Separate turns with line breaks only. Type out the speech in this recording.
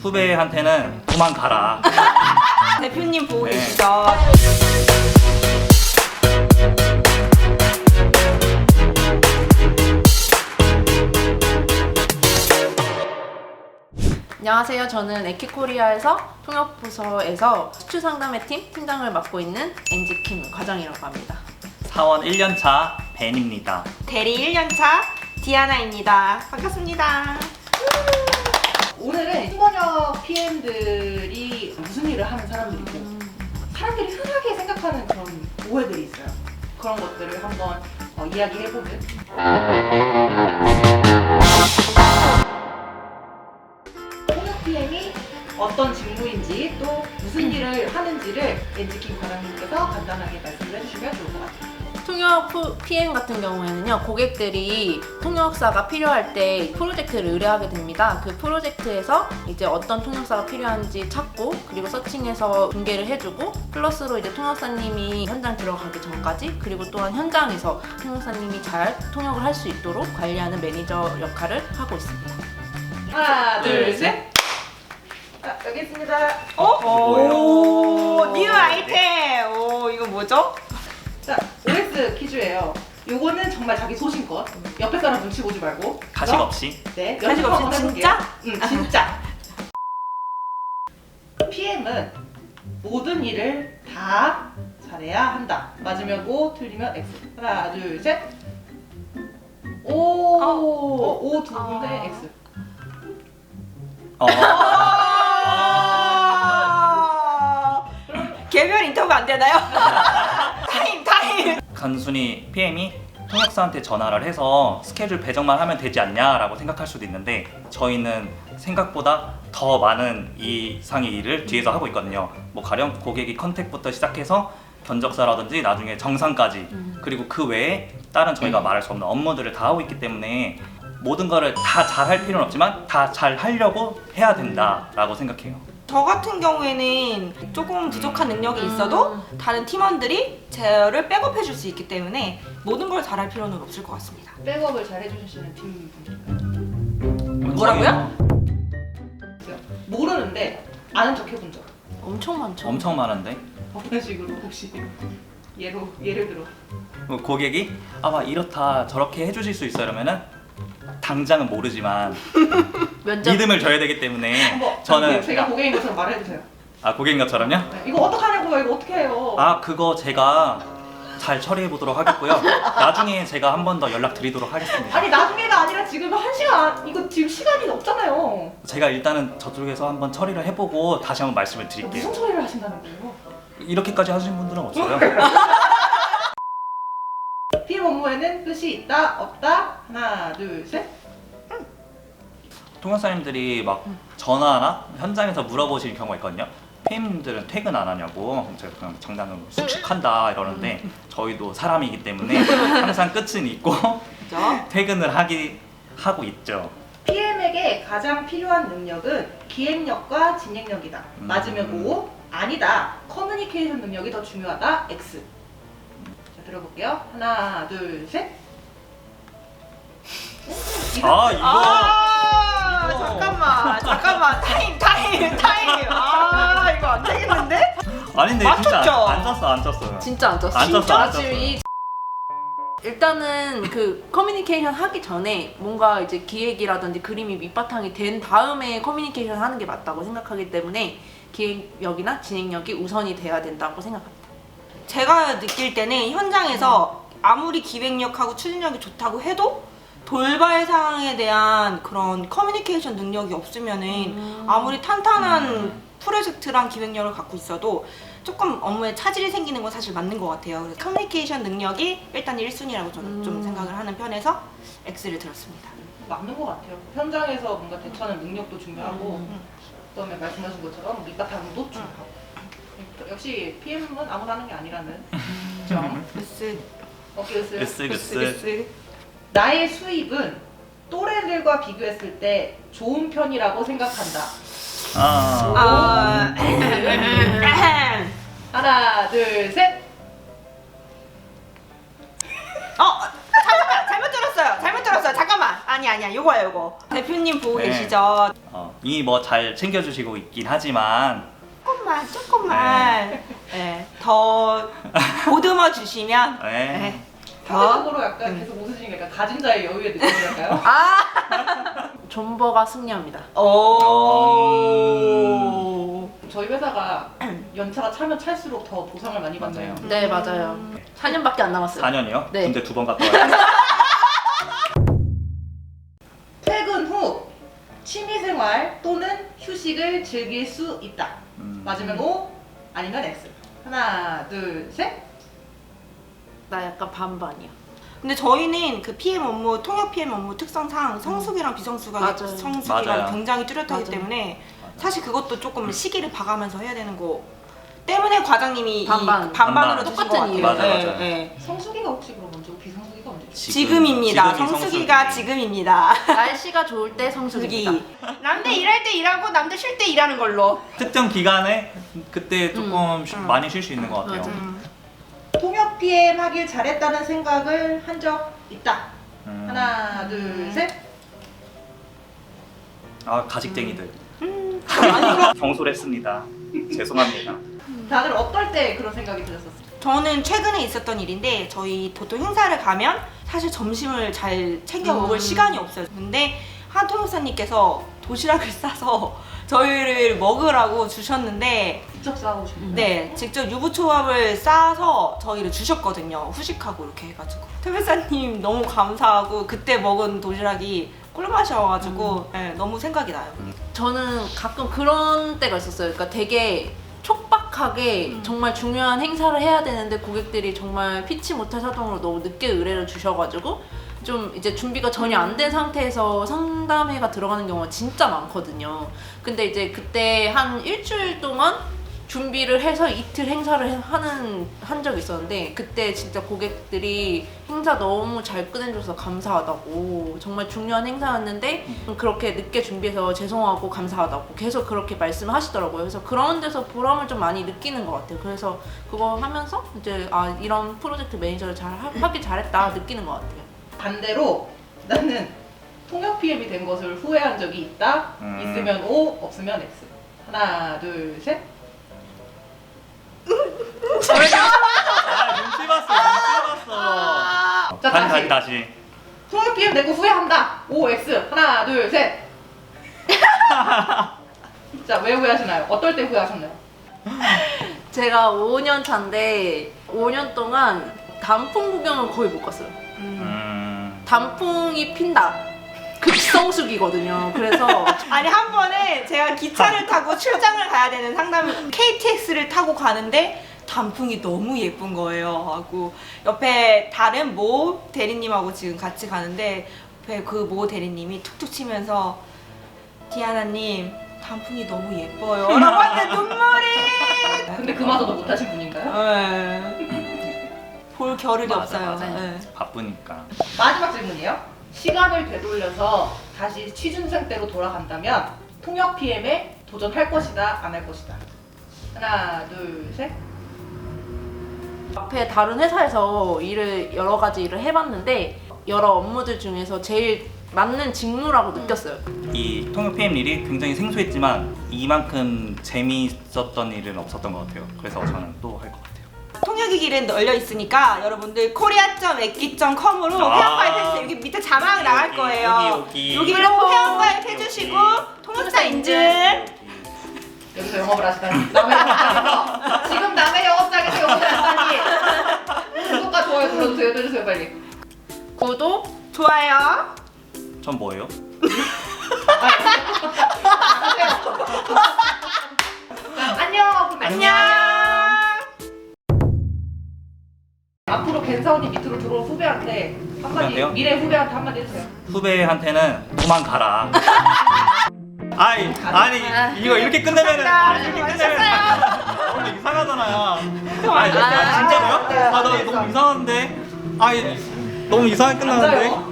후배한테는 도망가라.
대표님 보고
네.
계시죠?
안녕하세요. 저는 에키코리아에서 통역부서에서 수출 상담회 팀장을 맡고 있는 엔지킴 과장이라고 합니다.
사원 1년차 벤입니다.
대리 1년차 디아나입니다. 반갑습니다.
오늘은 팀번역 PM들이 무슨 일을 하는 사람들이고 사람들이 흔하게 생각하는 그런 오해들이 있어요. 그런 것들을 한번 이야기해보는 통역 PM이 어떤 직무인지 또 무슨 일을 하는지를 엔지킴 과장님께서 간단하게 말씀을 해주시면 좋을 것 같아요.
통역 PM 같은 경우에는요, 고객들이 통역사가 필요할 때 프로젝트를 의뢰하게 됩니다. 그 프로젝트에서 이제 어떤 통역사가 필요한지 찾고, 그리고 서칭해서 중개를 해주고, 플러스로 이제 통역사님이 현장 들어가기 전까지, 그리고 또한 현장에서 통역사님이 잘 통역을 할 수 있도록 관리하는 매니저 역할을 하고 있습니다.
하나, 둘,
둘,
셋. 자, 여기 있습니다.
오, 뉴 아이템. 오, 이거 뭐죠?
자, OS 퀴즈예요. 요거는 정말 자기 소신껏 옆에 사람 눈치 보지 말고
가식 없이.
네,
가식
연습
없이
한번
진짜?
해볼게요. 응, 진짜. PM은 모든 일을 다 잘해야 한다. 맞으면 O, 틀리면 X. 하나, 둘, 셋. 오, O 두 군데 X.
개별 인터뷰 안 되나요? 타임.
단순히 PM이 통역사한테 전화를 해서 스케줄 배정만 하면 되지 않냐라고 생각할 수도 있는데, 저희는 생각보다 더 많은 이상의 일을 뒤에서 하고 있거든요. 뭐 가령 고객이 컨택부터 시작해서 견적사라든지 나중에 정상까지, 그리고 그 외에 다른 저희가 말할 수 없는 업무들을 다 하고 있기 때문에 모든 거를 다 잘할 필요는 없지만 다 잘 하려고 해야 된다라고 생각해요.
저 같은 경우에는 조금 부족한 능력이 있어도 다른 팀원들이 저를 백업해 줄 수 있기 때문에 모든 걸 잘할 필요는 없을 것 같습니다.
백업을 잘 해주시는 팀분들인가요?
뭐라고요?
모르는데 아는 척 해본 적.
엄청 많죠.
엄청 많은데,
어떤 식으로 혹시 예를 들어.
뭐 고객이 아마 이렇다 저렇게 해주실 수 있어요 이러면은 당장은 모르지만
면접
믿음을 줘야 되기 때문에
한번
저는
제가 고객인 것처럼 말해주세요.
고객인 것처럼요?
네, 이거 어떡하냐고요? 이거 어떻게 해요?
그거 제가 잘 처리해 보도록 하겠고요. 나중에 제가 한 번 더 연락 드리도록 하겠습니다.
아니 나중에가 아니라 지금 1시간 이거 지금 시간이 없잖아요.
제가 일단은 저쪽에서 한번 처리를 해보고 다시 한번 말씀을 드릴게요.
무슨 처리를 하신다는 거예요?
이렇게까지 하시는 분들은 없어요.
PM 업무에는 뜻이 있다 없다. 하나 둘 셋.
통역사님들이 막 전화나 현장에서 물어보실 경우가 있거든요. PM님들은 퇴근 안 하냐고. 제가 그냥 장난으로 숙식한다 이러는데, 저희도 사람이기 때문에 항상 끝은 있고
그죠?
퇴근을 하고 있죠.
PM에게 가장 필요한 능력은 기획력과 진행력이다. 맞으면 O. 아니다. 커뮤니케이션 능력이 더 중요하다. X. 자, 들어볼게요. 하나 둘 셋.
이거
잠깐만. 타임. 이거 안 되겠는데?
아닌데
맞췄죠?
진짜 안 쳤어요.
진짜 안 쪘어.
안 쪘어, 안 쪘어.
지금 일단은 그 커뮤니케이션 하기 전에 뭔가 이제 기획이라든지 그림이 밑바탕이 된 다음에 커뮤니케이션 하는 게 맞다고 생각하기 때문에 기획력이나 진행력이 우선이 돼야 된다고 생각합니다.
제가 느낄 때는 현장에서 아무리 기획력하고 추진력이 좋다고 해도 돌발 상황에 대한 그런 커뮤니케이션 능력이 없으면은 아무리 탄탄한 프로젝트랑 기획력을 갖고 있어도 조금 업무에 차질이 생기는 건 사실 맞는 것 같아요. 그래서 커뮤니케이션 능력이 일단 1순위라고 저는 좀 생각을 하는 편에서 X를 들었습니다.
맞는 것 같아요. 현장에서 뭔가 대처하는 능력도 중요하고 그다음에 말씀하신 것처럼 밑바탕도 중요하고. 역시 PM은 아무나 하는 게 아니라는 점.
S.
오케이,
으쓱.
나의 수입은 또래들과 비교했을 때 좋은 편이라고 생각한다. 하나, 둘, 셋.
잘못 들었어요. 잠깐만. 아니야. 요거야, 요거. 대표님 보고
네.
계시죠?
이미 뭐 잘 챙겨주시고 있긴 하지만
조금만. 네. 더 보듬어 주시면.
네.
네.
사회적으로 약간 계속 웃으시니까 약간 가진 자의 여유의 느낌이랄까요?
존버가 승리합니다.
오.
저희 회사가 연차가 차면 찰수록 더 보상을 많이 받나요?
맞아요.
네, 맞아요. 4년밖에 안 남았어요.
4년이요?
네.
근데 2번 갔다 와요.
퇴근 후 취미생활 또는 휴식을 즐길 수 있다. 맞으면 O, 아니면 X. 하나, 둘, 셋.
나 약간 반반이야.
근데 저희는 그 PM 업무, 통역 PM 업무 특성상 성수기랑 비성수기가
맞아요.
성수기가
맞아요.
굉장히 뚜렷하기
맞아요.
때문에 사실 그것도 조금 시기를 봐가면서 해야 되는 거 때문에 과장님이
반반.
반반으로
반반.
주신 것
똑같은
같아요.
이유예요.
맞아요.
네.
성수기가 혹시 그럼 언제고 비성수기가 언제죠?
지금입니다.
지금이
성수기가
성수기.
지금입니다.
날씨가 좋을 때 성수기입니다.
수기. 남들 일할 때 일하고 남들 쉴 때 일하는 걸로.
특정 기간에 그때 조금 많이 쉴 수 있는 것 같아요.
맞아요.
통역 PM 하길 잘했다는 생각을 한 적 있다. 하나, 둘,
음.
셋.
가식쟁이들.
아니,
경솔했습니다. 죄송합니다.
다들 어떨 때 그런 생각이 드셨었어요?
저는 최근에 있었던 일인데 저희 보통 행사를 가면 사실 점심을 잘 챙겨 먹을 시간이 없어요. 근데 한 통역사님께서 도시락을 싸서 저희를 먹으라고 주셨는데
직접 싸우시나요?
네, 직접 유부초밥을 싸서 저희를 주셨거든요. 후식하고 이렇게 해가지고. 퇴배사님 너무 감사하고 그때 먹은 도시락이 꿀맛이어가지고 네, 너무 생각이 나요.
저는 가끔 그런 때가 있었어요. 그러니까 되게 촉박하게 정말 중요한 행사를 해야 되는데 고객들이 정말 피치 못할 사정으로 너무 늦게 의뢰를 주셔가지고 좀 이제 준비가 전혀 안 된 상태에서 상담회가 들어가는 경우가 진짜 많거든요. 근데 이제 그때 한 일주일 동안 준비를 해서 이틀 행사를 한 적이 있었는데 그때 진짜 고객들이 행사 너무 잘 끝내줘서 감사하다고, 정말 중요한 행사였는데 그렇게 늦게 준비해서 죄송하고 감사하다고 계속 그렇게 말씀하시더라고요. 그래서 그런 데서 보람을 좀 많이 느끼는 것 같아요. 그래서 그거 하면서 이제 이런 프로젝트 매니저를 하길 잘했다 느끼는 것 같아요.
반대로 나는 통역 PM이 된 것을 후회한 적이 있다. 있으면 O, 없으면 X. 하나, 둘, 셋.
눈치 봤어.
자,
다시.
통역 PM 되고 후회한다. O, X. 하나, 둘, 셋. 자, 왜 후회하시나요? 어떨 때 후회하셨나요?
제가 5년 차인데 5년 동안 단풍 구경을 거의 못 갔어요. 단풍이 핀다. 급성수기거든요. 그래서
아니 한 번에 제가 기차를 타고 출장을 가야 되는 상담 KTX를 타고 가는데 단풍이 너무 예쁜 거예요. 하고 옆에 다른 모 대리님하고 지금 같이 가는데 옆에 그 모 대리님이 툭툭 치면서 디아나님 단풍이 너무 예뻐요. 라고 하는데 눈물이.
근데 그마저도 못하신 분인가요?
볼 겨를이
맞아,
없어요.
맞아.
네.
바쁘니까.
마지막 질문이에요. 시간을 되돌려서 다시 취준생 때로 돌아간다면 통역 PM에 도전할 것이다, 안 할 것이다. 하나, 둘, 셋.
앞에 다른 회사에서 여러 가지 일을 해봤는데 여러 업무들 중에서 제일 맞는 직무라고 느꼈어요.
이 통역 PM 일이 굉장히 생소했지만 이만큼 재미있었던 일은 없었던 것 같아요. 그래서 저는 또 할 것 같아요.
통역의 길은 널려 있으니까 여러분들 korea.ekki.com으로 회원가입해주세요. 여기 밑에 자막 나갈 거예요. 여기로 회원가입 해주시고 통역사 인증.
여기서 영업을 하시다니. 남의 영업장에서 지금 남의 영업장에서 영업을 하시다니. 구독과 좋아요 눌러주세요 빨리.
구독,
좋아요.
전 뭐예요?
안녕.
안녕.
앞으로 겐사원님 밑으로 들어온 후배한테 한마디,
후배한테요?
미래 후배한테 한마디 해주세요.
후배한테는 도망가라. 아니 이거 이렇게 끝내면은 오늘 이상하잖아요. 진짜로요? 나 너무 이상한데. 너무 이상하게 끝나는데.